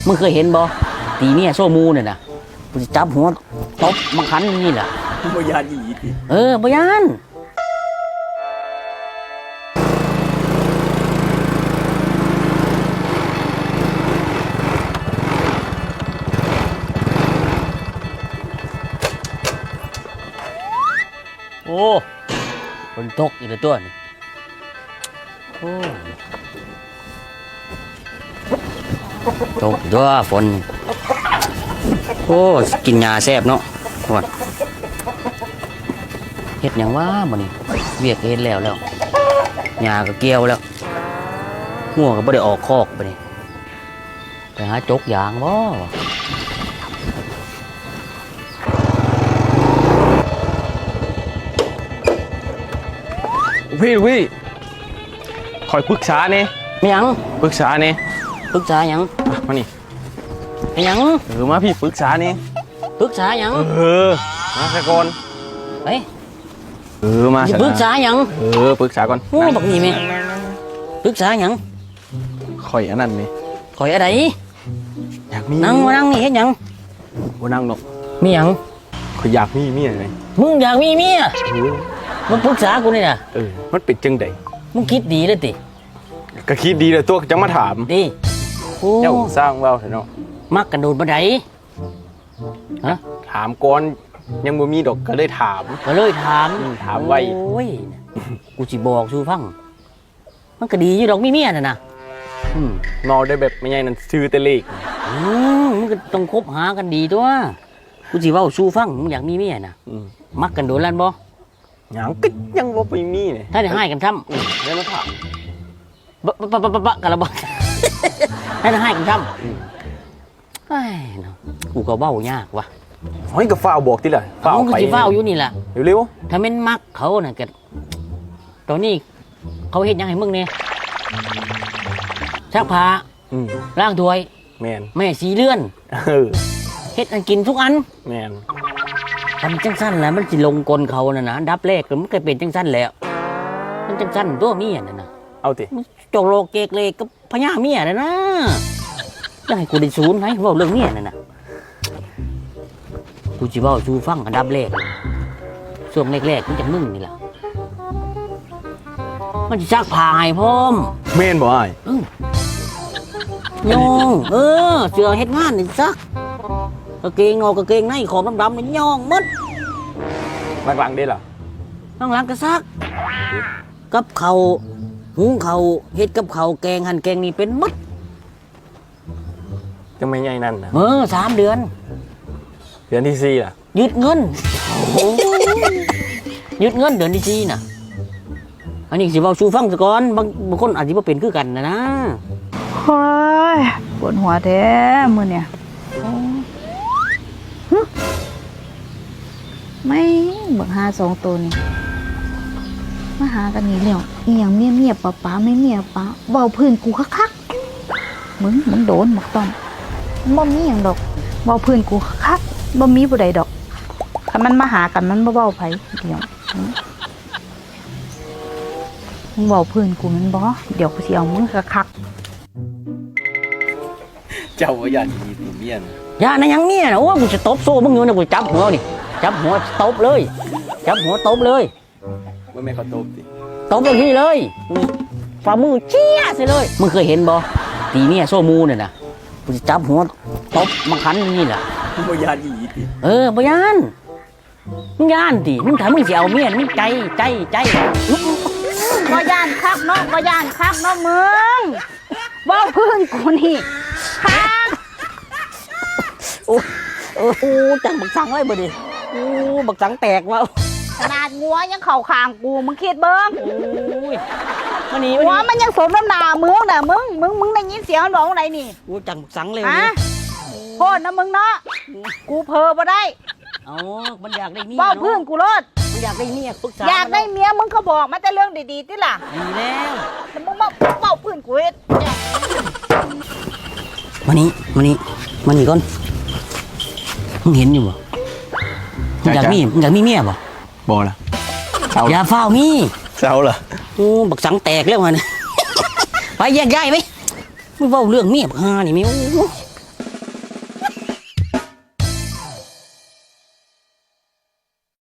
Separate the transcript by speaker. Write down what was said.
Speaker 1: มึงเคยเห็นบ่ตีเมียโซมูเนี่ยนะกูจะจับหัวตบบังคันนี่แหละ
Speaker 2: บ่ยานอีติ
Speaker 1: บ่ยานโอ้ฝนตกอีกแล้วตัวนี่โอ้ตกตัวฝนโอ้กินยาแซ่บเนาะหวดเฮ็ดหยังวะมื้อนี้เวียกเฮ็ดแล้วหญ้าก็เกี่ยวแล้วงัวก็บ่ได้ออกคอกบัดนี้ไปหาจกยางบ่วะ
Speaker 2: พี่คอยปรึกษาเนี่ย
Speaker 1: มีหยัง
Speaker 2: ปรึกษาเนี่ย
Speaker 1: ปรึกษาหยัง
Speaker 2: มานี่
Speaker 1: มีหยัง
Speaker 2: มาพี่ปรึกษาเนี่ย
Speaker 1: ปรึกษาหยัง
Speaker 2: มาซะก่อน
Speaker 1: เฮ้ย
Speaker 2: มา
Speaker 1: สิปรึกษาหยัง
Speaker 2: ปรึกษาก่อน
Speaker 1: โอ้บักนี่แม่ปรึกษาหยัง
Speaker 2: คอยอันนั้นนี่
Speaker 1: ข่อยอะไร
Speaker 2: อยากมี
Speaker 1: นั่งมานั่งนี่เฮ็ดหยัง
Speaker 2: บ่นั่งดอก
Speaker 1: มีหยัง
Speaker 2: คอยอยากมีเมียเลย
Speaker 1: มึงอยากมีเมียมึงปรึกษากูนี่น่ะ
Speaker 2: มันเป็นจังได
Speaker 1: มึงคิดดีเลยติ
Speaker 2: ก็คิดดีเลยตัวจังมาถาม
Speaker 1: ดีโอ้
Speaker 2: เจ้าสร้างเว้าเถอะเนาะ
Speaker 1: มักกันโดดบันไดฮะ
Speaker 2: ถามก่อนยังบ่มีดอกก็เลยถาม
Speaker 1: ก็เลยถาม
Speaker 2: ถามไว้
Speaker 1: โอ้ยกูสิบอกสู่ฟังมันก็ดีอยู่ดอกมีเมียน่ะนะอืม
Speaker 2: นอนได้แบบไม่ใหญ่นั่นซื้อแต่เลข
Speaker 1: มันก็ต้องคบหากันดีตัวกูสิเว้าสู่ฟังมึงอยากมีเมียน่ะมักกันโดดลั่นบ่
Speaker 2: หยังก็ยังบ่ไปมีนี่
Speaker 1: ถ้าได้ให้กันทำ
Speaker 2: แล้วมาถาม
Speaker 1: บะกันละบ่ ให้ได้ให้กันทำเฮ้ยเนาะกูก็เว้ายากว่ะ
Speaker 2: เฮ้ยก็ฟ้าวบอกติล่ะฟ้าว
Speaker 1: มึงก็
Speaker 2: ไป
Speaker 1: สิเว้าอยู่นี่ล่ะ
Speaker 2: เร็ว
Speaker 1: ถ้าแม่นมักเขาน่ะก็ตอนนี้เขาเฮ็ดหยังให้มึงเนี่ยซักผ้า
Speaker 2: ๆ
Speaker 1: ล้างถ้วย
Speaker 2: แม่น
Speaker 1: แม่สีเลื่อน
Speaker 2: เออ
Speaker 1: เฮ็ดอันกินทุกอัน
Speaker 2: แม่น
Speaker 1: ทำจังสั้นแหล้วมันสิลงกลเขาน่ะนะอันดับแรกมันก็เป็นจังสั้นแหล้วมันจังสั้นตัวเมียน่ะนะ
Speaker 2: เอาติ
Speaker 1: มันโจกโลกเกกเลกกับพญาเมียน่ะนะจะให้กูได้ศูนย์ไหมเว้าเรื่องเมียน่ะนะกูสิเว้าสู่ฟังอันดับแรกช่วงแรกๆมันจะมึงนี่ล่ะมันสิซักผ้าให้พร้อม
Speaker 2: แม่นบ่อ้าย
Speaker 1: โยงเสือเฮ็ดงานนี่ซักกางเกงนอกกางเกงในขอบดำๆนี่ย่องหมด
Speaker 2: หลังๆเด้ล่ะ
Speaker 1: ข้างหลังก็ซักกับเขาวหุงเขาวเฮ็ดกับเขาวแกงหั่นแกงนี่เป็นหมด
Speaker 2: จังไม่ใหญ่นั่นน่ะ
Speaker 1: 3 เดือน
Speaker 2: เดือนที่4ล่ะ
Speaker 1: ยึดเงินยึดเงินเดือนที่4น่ะอันนี้สิเว้าสู่ฟังซะก่อนบางคนอาจสิบ่เป็นคือกันนะ
Speaker 3: โอ้ยปวดหัวแท้มือเนี่ยฮึไม่บักหา2 ตัวนี่มาหากันนี่แล้วอีหยังเมียป้าไม่เมียป้าเบาพื้นกูคักๆมึงโดนบักต้อมบ่มีหยังดอกเบาพื้นกูคักๆบ่มีผู้ใดดอกคันมันมาหากันมันบ่เว้าไผเดี๋ยวมึงเบาพื้นกูมันบ่เดี๋ยวกูสิเอามึงคักๆ
Speaker 2: เจ้าว่ายันมีตีเมียน
Speaker 1: อย่านะยังเมียนะโอ้กูจะตบโซ่มึงอยู่นะกูจับหัวนี่จับหัวตบเลยจับหัวตบเลย
Speaker 2: ว่าแม่เขาตบติ
Speaker 1: ตบอย่างนี้เลยฝ่ามือเชี่ยสิเลยมึงเคยเห็นบ่ตีเมียโซมูเนี่ยนะกูจะจับหัวตบมังคันนี่แหละ
Speaker 2: บ่ยานอีติ
Speaker 1: บ่ยานมึงยานติมึงถามมึงสิเอาเมียมึงใจ
Speaker 3: ก็ย่านคักเนาะก็ย่านคักเนาะมึงเว้าพื้นกูนี่คัก
Speaker 1: โอ้จังบักสังไว้บ่ดิโอ้บักสังแตกว่ะ
Speaker 3: ขนาดงัวยังเข่าคางกูมึงคิดเบิ้ง
Speaker 1: โอ้ยมันนี่
Speaker 3: หัวมันยังสมน้ำหนามึงน่ะมึงได้ยินเสียงมันบอกว่าไหนนี่
Speaker 1: โอ้จังบักสังเลย
Speaker 3: ฮะโคตรนะมึงเนาะกูเพอบ่ได้
Speaker 1: อ๋อมันอยากได้เมีย
Speaker 3: เว้าพื้น
Speaker 1: เนาะ
Speaker 3: กูรถ
Speaker 1: มันอยากได้เมียปรึกษา
Speaker 3: อยากได้เมียมึงเขาบอกมาแต่เรื่องดีๆติล่ะ
Speaker 1: ดีแล้ว
Speaker 3: แต่มึงมาเว้าพื้นกูเฮ็ดเนี่ย
Speaker 1: มานี่ก่อนมึงเห็นอยู่บ่มึงอยากมีเมียบ่
Speaker 2: บ่ล่ะ
Speaker 1: อย่าเฝ้ามี
Speaker 2: เศร้าล่ะ
Speaker 1: โอ้บักสังแตกแล้วมัน ไปแยกย้ายไปมึงเว้าเรื่องเมียบักฮานี่แม่โอ้